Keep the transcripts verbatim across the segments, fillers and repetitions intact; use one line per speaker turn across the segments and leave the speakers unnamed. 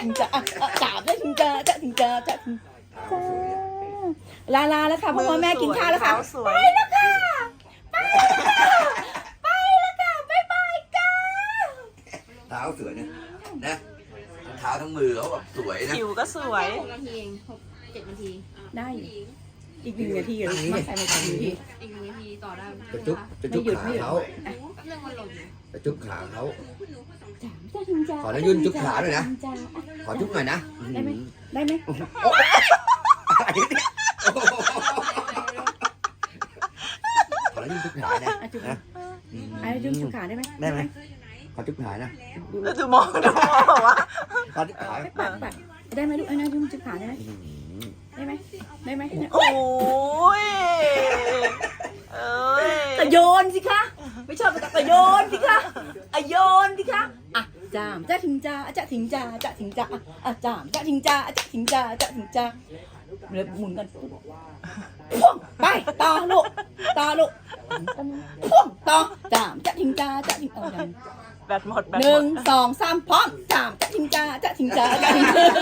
ถึงจะอ่ะสามจะถึงจะจะถึงจะจะถึงลาลาแล้วค่ะพ่อแม่กินข้าวแล้วค่ะไปแล้วค่ะไปแล้วค่ะไปแล้วค่ะบ๊ายบายจ้า
เท้าสวยนะนะทั้งเท้าทั้งมือเขาแบบสวยนะ
ผิวก็สวย
หกนาทีเองหกเจ็ดนาที
ได้อยู่อีกหนึ่งนาทีเหรอมาใส่มาใส่นาที
อีกหนึ่งนาทีต่อได้
จะจุ๊บจะจุ๊บขาเขา
เรื่องมันหล่นอยู่
จะจุ๊บขาเขา
จะถึงจะ
ขอนะยุ่นจุ๊บขาหน่อยนะขอจุ๊บหน่อยนะ
ได้ไหมได้ไหม
ขอนะยุ่นจุ๊บขานะ
อ่ะจุ๊บ
นะ
อ่ะจุ๊บจุ๊บขาได้ไหม
ได้ไหมขอจุ๊บขานะ
แล้วดูมองดูมองบอกว่า
ขอจุ๊บขา
ไม่ปัดปัดได้ไหมลูกเอานะจุ๊บจุ๊บขาได้ไหมได้ไหมได้ไหม
โอ้ยเอ้ย
กระโยนสิคะไม่ชอบกระโยนสิคะอะโยนสิคะอ่ะจามจะถึงจะจะถึงจะจะถึงจะอ่ะจามจะถึงจะจะถึงจะจะถึงจะเลยหมุนกันพ่วงไปต่อลูกต่อลูกพ่วงต่อจามจะถึงจะจะถึงเอาอย่าง
แบตหมดแบต
ห
หม
นึ่ง
ด
สองสามพร้อมจามจะถึงจะจะถึงจะจะถึงจะ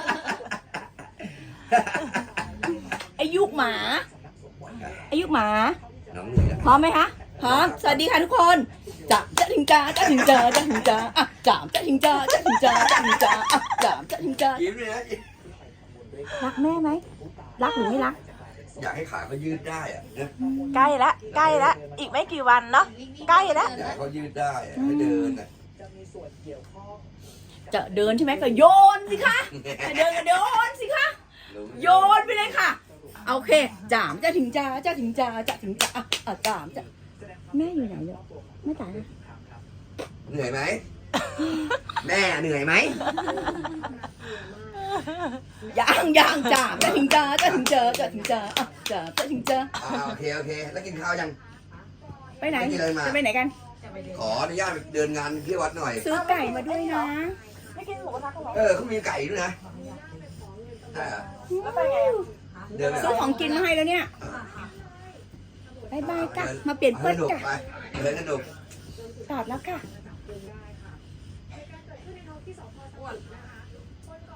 อายุหมาอายุหมา
น้องเหนื่อยแล้ว
พร้อมไหมคะพร้อมสวัสดีค่ะทุกคนจะจะถึงจะจะถึงจะจะถึงจะอ่ะจามจะถึงจะจะถึงจะจะถึงจะอ่ะจามจะถึงจะ
ยิ้มเลยนะ
รักแม่ไหมรักหรือไม่รัก
อยากให้ขาเขายืดได้อะนะ
ใกล้ละใกล้ละอีกไม่กี่วันเนาะใกล้ละ
อยากให้เขายืดได้อะให้เดินอะ
จะเดินใช่ไหมก็โยนสิคะจะเดินก็โยนสิคะโยนไปเลยค่ะโอเคจามจะถึงจะจะถึงจะจะถึงจะอ่ะอ่ะจามจะแม่อยู่ไหนเนี่ยแม่จ๋า
เหนื่อยไหมแม่เหนื่อยไหม
ยังยังจามจะถึงจะจะถึงจะจะถึงจะอ่ะจามจะถึงจะ
อ่าโอเคโอเคแล้วกินข้าวยัง
ไปไหน
ไม่กินอะไรมา
จะไปไหนกัน
ขออนุญาตไปเดินงานที่วัดหน่อย
ซื้อไก่มาด้วยนะ
ไม่กินหมูกระทะกันหรอ
เออเขามีไก่ด้วยนะใช่เหรอ
แล้วไปไงอ่ะ
เดินไป
ซื้อของกินมาให้แล้วเนี่ยบายบายค่ะมาเปลี่ยนเพื่อน
สนุก
จ้ะ
ไปเดินสนุก
ตอดแล้วค่ะ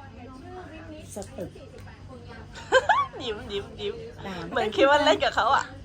สตึก
ยิ้มยิ้มยิ้ม
ตาม
เหมือนคิดว่าเล่นกับเขาอ่ะ